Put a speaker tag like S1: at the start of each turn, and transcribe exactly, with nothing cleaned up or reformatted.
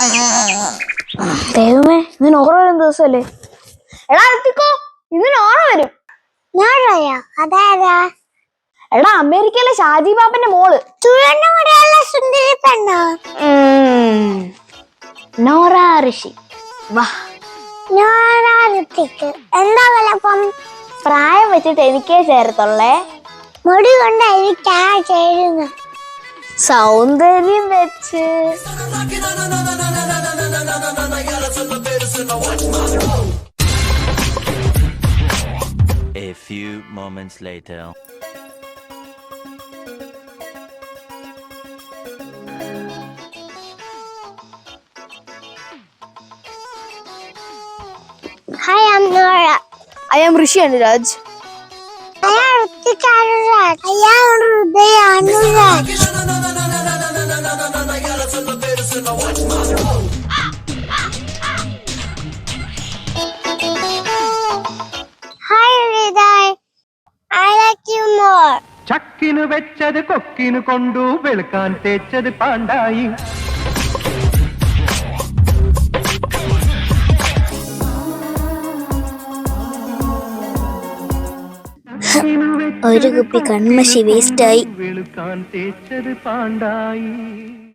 S1: ദൈവമേ, ഇന്ന് ഓണം വരും ദിവസമല്ലേ? എടാ എത്തിക്കോ, ഇന്ന് ഓണം വരും.
S2: അതാരാ?
S1: എടാ അമേരിക്കയിലെ ഷാജി ബാബന്റെ മോള്
S2: സുന്ദരി പെണ്ണോ?
S1: നോറ ഋഷി. വാ.
S2: എന്താ വലപ്പം?
S1: പ്രായം വെച്ചിട്ട് എനിക്കേ ചേരത്തുള്ളേ.
S2: മുടി കൊണ്ട് എനിക്കാ ചേരുന്ന.
S1: സൗന്ദര്യം വെച്ച്.
S3: A few moments later.
S2: Hi, I'm Nora.
S1: I am Rishi Anuraj.
S2: I am Ritika Anuraj. I am Hriday Anuraj. Hi, Hriday. I like you more.
S4: ചക്കിനു വെച്ചത് കൊക്കിനു കൊണ്ടു വെളുക്കാൻ തേച്ചത് പാണ്ടായി.
S2: ഒരു കുപ്പി കൺമഷി വേസ്റ്റായി.
S4: വെളുക്കാൻ തേച്ചത് പാണ്ടായി.